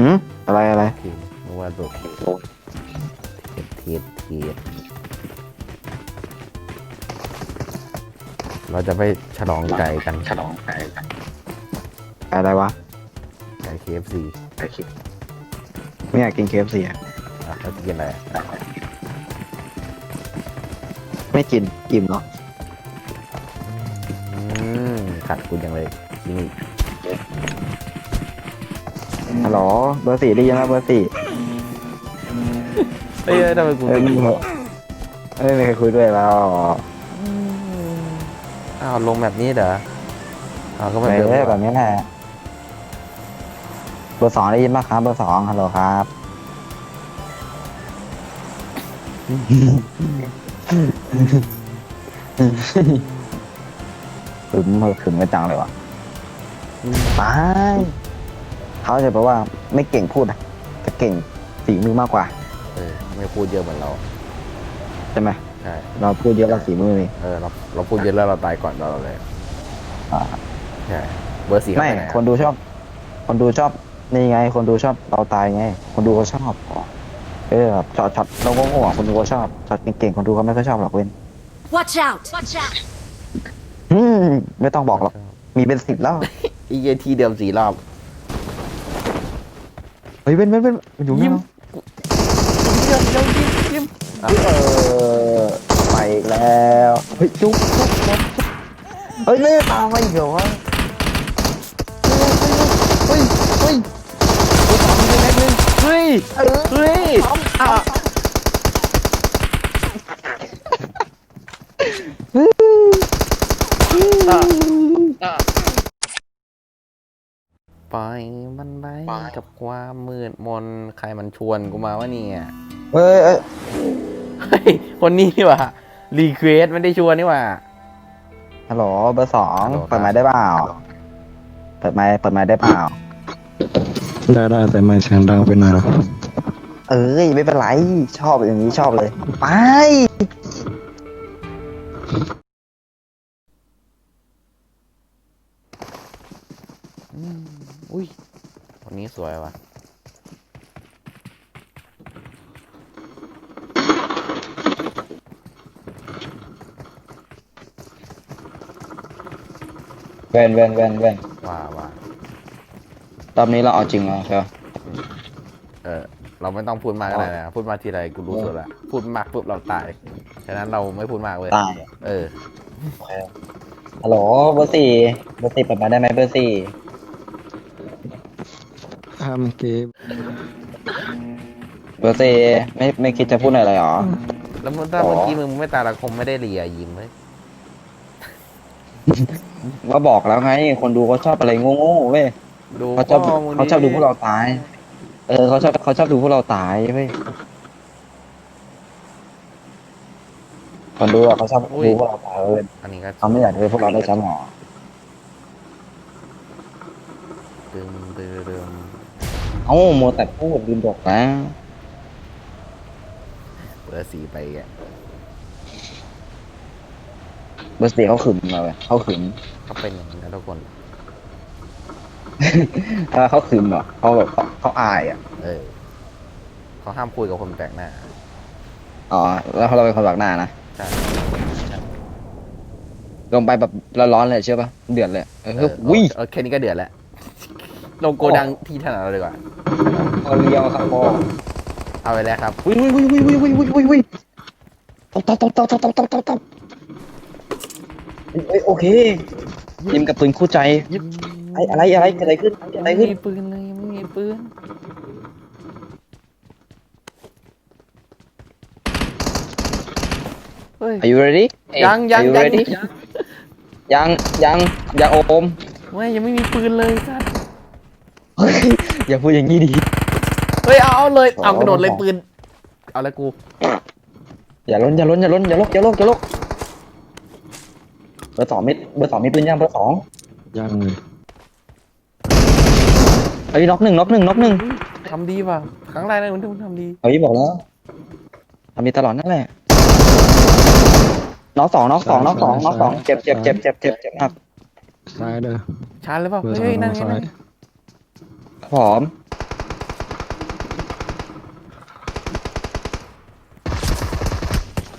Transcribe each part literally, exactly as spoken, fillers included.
หืมอะไรอะไรทีนึกว่าแบบเทียดเทียดเทียดเราจะไปฉลองไก่กันฉลองไก่กันอะไรวะไก่ เค เอฟ ซีไก่คิดไม่อยากกิน เค เอฟ ซี อ่ะอ่ะเราจะกินอะไรอ่ะไม่กินอิ่มเนาะอืมขัดกูยังเลยกินอีกฮัลโหลเบอร์สี่ได้ยินไหมเบอร์สี่เอ้ยทำไมกูเอ้ยไม่มึงเหรอเอ้ยไม่เคยคุยด้วยแล้วอ้าวลงแบบนี้เหรออ้าวก็แบบเอเดิมอแบบนี้แหละเบอร์สองได้ยินไหมครับเบอร์สองฮัลโหลครับขึมเออขึมไม่จังเลยวะไปเขาจะแปลว่าไม่เก่งพูดนะแต่เก่งฝีมือมากกว่าเออไม่พูดเยอะเหมือนเราใช่ไหมใช่เราพูดเยอะเราฝีมือนี่เออเราเราพูดเยอะแล้วเราตายก่อนเราเลยอ่าใช่เบอร์สี่เขาไม่ไปไหนคนดูชอบ คนดูชอบนี่ไง คนดูชอบเราตายไง คนดูเขาชอบเออแบบช็อตช็อตเราโง่ๆอ่ะคนดูเขาชอบช็อตเก่งๆคนดูเขาไม่ค่อยชอบหรอกเว้น Watch out! Watch out! อืมไม่ต้องบอกหรอกมีเป็นสิบแล้วอีเอทีเดิมสี่รอบเฮ้ยเว้นเว้นเว้นมันอยู่นี่ยิ้มเดี๋ยวเดี๋ยวยิ้มยิ้มอ่ะเออไปอีกแล้วเฮ้ยจุ๊บจุ๊บจุ๊บเฮ้ยไม่ตามมาอีกเหรอวะเฮ้ยเฮ้ยกูสองทีเล็กนึงเฮ้ยเออเฮ้ยอ่ะอ่ะปล่อยมันไปกับความมืดมนใครมันชวนกูมาวะเนี่ยเฮ้ยเอ้ยเฮ้ยคนนี้นี่หว่ารีเควสไม่ได้ชวนนี่หว่าฮัลโหลเบอร์สองฮัลโหลครับเปิดไมค์ได้เปล่าเปิดไมค์เปิดไมค์ได้เปล่าได้ได้แต่ไม่เสียงดังไปหน่อยนะเอ้ยไม่เป็นไรชอบอย่างนี้ชอบเลยไปอืมอุ้ยคนนี้สวยว่ะเว้นเว้นเว้นเว้นว่าว่ารอบนี้เราเอาจริงแล้วใช่ไหมเออเราไม่ต้องพูดมากก็ได้นะพูดมากทีไรกูรู้สึกละพูดมากปุ๊บเราตายฉะนั้นเราไม่พูดมากเลยตายเออฮัลโหลเบอร์สี่เบอร์สี่เปิดมาได้ไหมเบอร์สี่ทำเกมเบอร์สี่ไม่ไม่คิดจะพูดอะไรหรอแล้วเมื่อถ้าอ๋อเมื่อกี้มึงไม่ตายเราคงไม่ได้เลียยิ้มเลยก็บอกแล้วไงคนดูเขาชอบอะไรโง่ๆเว้ยดูเขาชอบพ่มึงเขาชอบดูพวกเราตาย เออเขาชอบเขาชอบดูพวกเราตายเว้ยคนดูอะเขาชอบดูพวกเราตายเว้ยอันนี้ก็เขาไม่อยากดูพวกเราได้แชมป์หรอดึงดึงดึงเอ้าโมวแต่พูดลืมบอกนะเบอร์สีไปอ่ะเบอร์สี่เขาขึมมาเว้ยเขาขึมเขาเป็นอย่างนี้นะทุกคนถ้าเขาขึมอ่ะเขาแบบเขาเขาอายอ่ะเออเขาห้ามคุยกับคนแปลกหน้าอ๋อแล้วเราเป็นคนหลักหน้านะใช่ลงไปแบบร้อนๆเลยเชื่อปะเดือดเลยเอเอออวิ่งเออแค่นี้ก็เดือดแล้วลงโกดังที่ถนัดเราดีกว่าเอาเรียวครับพ่อเอาไปแล้วครับวิ่งวิ่งวิ่งวิ่งวิ่งวิ่งวิ่งวิ่งวิ่งตบตบตบตบตบตบตบตบตบเอ้ยโอเคยิมกับปืนคู่ใจยิบไอ้อะไรอะไรเกิดอะไรขึ้นเกิดอะไรไม่ขึ้นมีปืนเลยยังไม่มีปืนเฮ้ย Are you ready ยังยัง Are you ยัง ready ยังยังยังโอมไม่ยังไม่มีปืนเลยสัสเฮ้ยอย่าพูดอย่างนี้ดิเฮ้ยเอาเอาเลยเอาอ๋อกระโดดเลยปืนเอาแล้วกูอย่าล้นอย่าล้นอย่าล้นอย่าลกอย่าลกอย่าลกเบอร์สองมิดเบอร์สองมีปืนยังเบอร์สองยังเลยเฮ้ยน็อกหนึ่งน็อกหนึ่งน็อกหนึ่งทำดีป่ะครั้งแรกเลยมึงที่มึงทำดีเฮ้ยบอกแล้วทำดีตลอดนั่นแหละน็อกสองน็อกสองน็อกสองน็อกสองเจ็บเจ็บเจ็บเจ็บเจ็บเจ็บมากซ้ายเด้อชาร์จเลยเปล่าเบอร์สอเฮ้ยงนั่นไงซ้านั่ยนผอม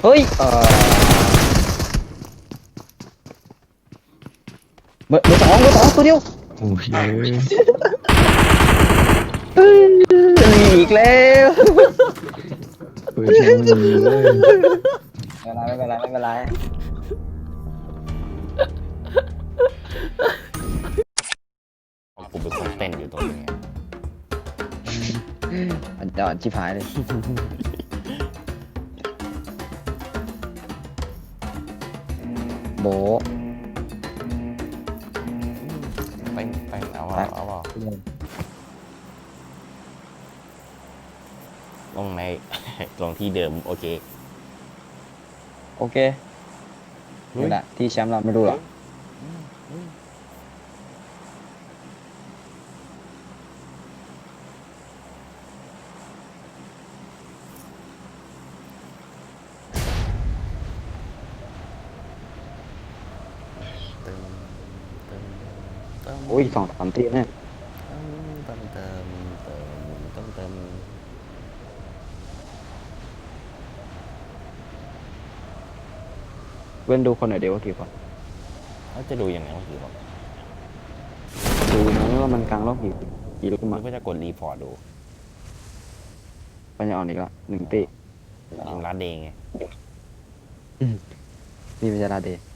เฮ้ยเออเบอร์เบอร์สองเบอร์สองตัวเดียวโอ้ยเอ้ยอีกแล้วเปิดเสียงมันเลยไม่เป็นไรไม่เป็นไรไม่เป็นไรกูเป็นคนเต้นอยู่ตรงนี้อันจอดชิบหายเลยโบะเต้นเต้นเอาเอาเอาเอาลงใน ลงที่เดิมโอเคโอเคนี่แหละที่แชมป์เราไม่รู้หรอกเติมเติมเติมโอ้ยสองสามทีเนี่ยเติมเติมเติมเติมเติมเว้นดูคนหน่อยเดียวว่ากี่คนเขาจะดูยังไงว่ากี่คนดูนะว่ามันกลางรอบกี่กี่ลูกขึ้นมัมานก็จะกดรีพอร์ตดูปัญญาอ่อนอีกละหนึ่งตียิงรัดเองไงนี่เป็นจาราเดย์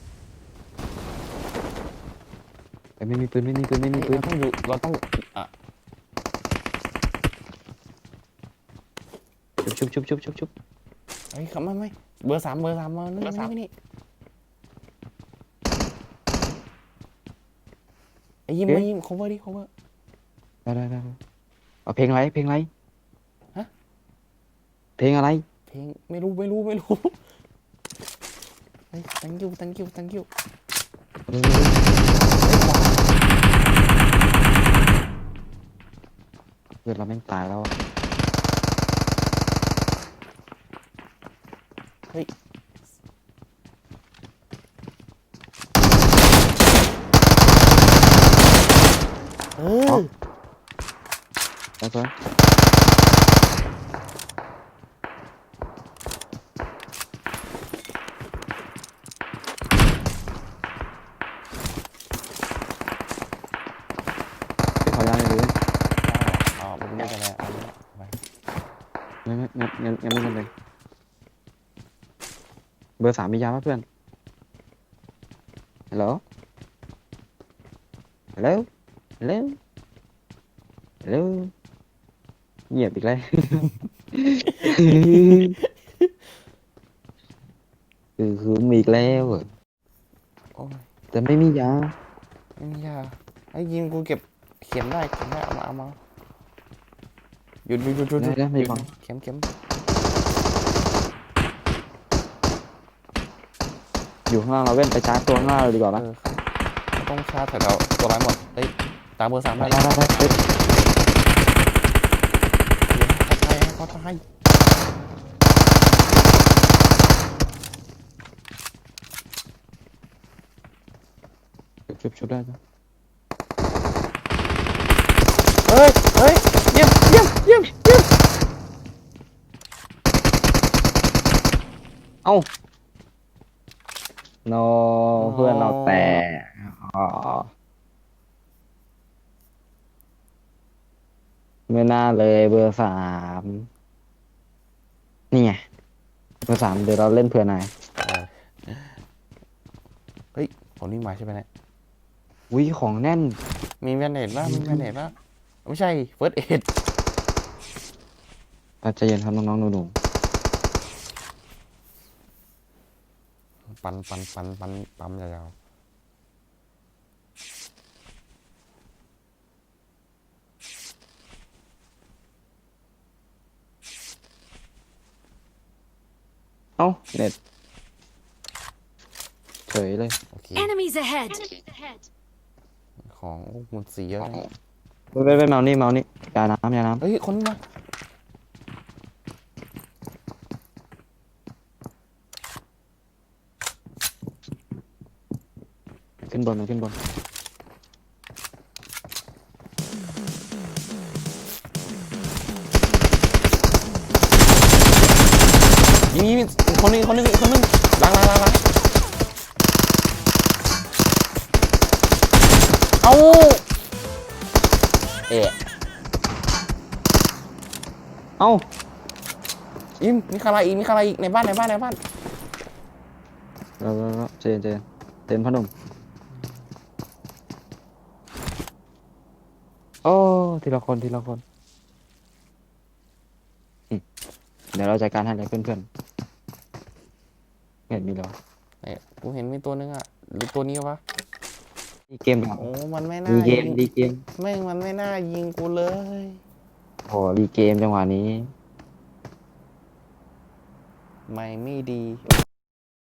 เอ้ยไม่มีปืนไม่มีปืนไม่มีปืเรานต้องอยู่เราต้องอ่ะชุบชุบชุบชุบชุบเฮ้ยเขาไม่ไม่เบอร์สามเบอร์สามมานี่นี่นี่ไอ้ยิ้มไอ้ยิ้ม cover ดิ cover ได้ได้ได้ได้เอาเพลงอะไรเพลงอะไรฮะเพลงอะไรเพลงไม่รู้ไม่รู้ไม่รู้เฮ้ย thank you thank you thank you เพื่อนเราแม่งตายแล้วอะเฮ้ยเออแล้วก็ ขอยาเลยเอาไม่ได้กันแล้วเอาไปไม่ไม่ไม่งั้นงั้นไม่เป็นไรเบอร์สามมียาป่ะเพื่อนฮัลโหลฮัลโหลฮัลโหลฮัลโหลเงียบอีกแล้ว คือคือมีอีกแล้วอะโอ้ยแต่ไม่มียาไม่มียาไอ้ยิงกูเก็บเข็มได้เข็มได้เอามาเอามาหยุดหยุดหยุดหยุดหยุดได้ได้ไม่ฟังเข็มเข็มอยู่ข้างล่างเราเว้นไปชาร์จตัวข้างล่างเลยดีกว่าเอปะอต้องชาร์จแถวๆตัวร้ายหมดเอ้ยตามเบอร์สามได้ได้ได้แล้วได้ได้เฮ้ยเขาตายเขาตายชุบชุบได้จ้ะเฮ้ยเฮ้ยเยี่ยมเยี่ยมเยี่ยมเยี่ยมเอ้าโนเพื่อนเราแตกอ๋อไม่น่าเลยเบอร์สามนี่ไงเบอร์สามเดี๋ยวเราเล่นเผื่อนายเฮ้ยผมนี่มาใช่ไหมเนี่ยวิของแน่นมีแมนเนตป่ะมีแมนเนตป่ะไม่ใช่เฟิร์สเอ็ดอาจจะเย็นครับน้องๆหนูปันปันปันปันปั๊มยาวๆเอ้าเน็ตเฉยเลยๆโอเค Enemies ahead! ของโอ้หมันสีเยอะนะไปไปไปเมานี่เมานี่ยาน้ำยาน้เฮ้ยคนมาำขึ้นบนมันขึ้นบนมีมีอีกคนนึงอีกคนนึงอีกคนนึงล้างล้างล้างล้างเอาเอะเอ้าอิมมีใครอีกมีใครอีกในบ้านในบ้านในบ้านเราเราเจนเจนเต็มพนมโอ้ทีละคนทีละคนอืมเดี๋ยวเราจัดการให้เลยเพื่อนๆเห็นมีเหรอเนี่ยกูเห็นมีตัวนึงอ่ะหรือตัวนี้วะดีเกมเหรอโอ้มันไม่น่าดีเกยิมงดีเกมแม่งมันไม่น่ายิงกูเลยโอ้ดีเกมจังหวะนี้ไม่ไม่ดี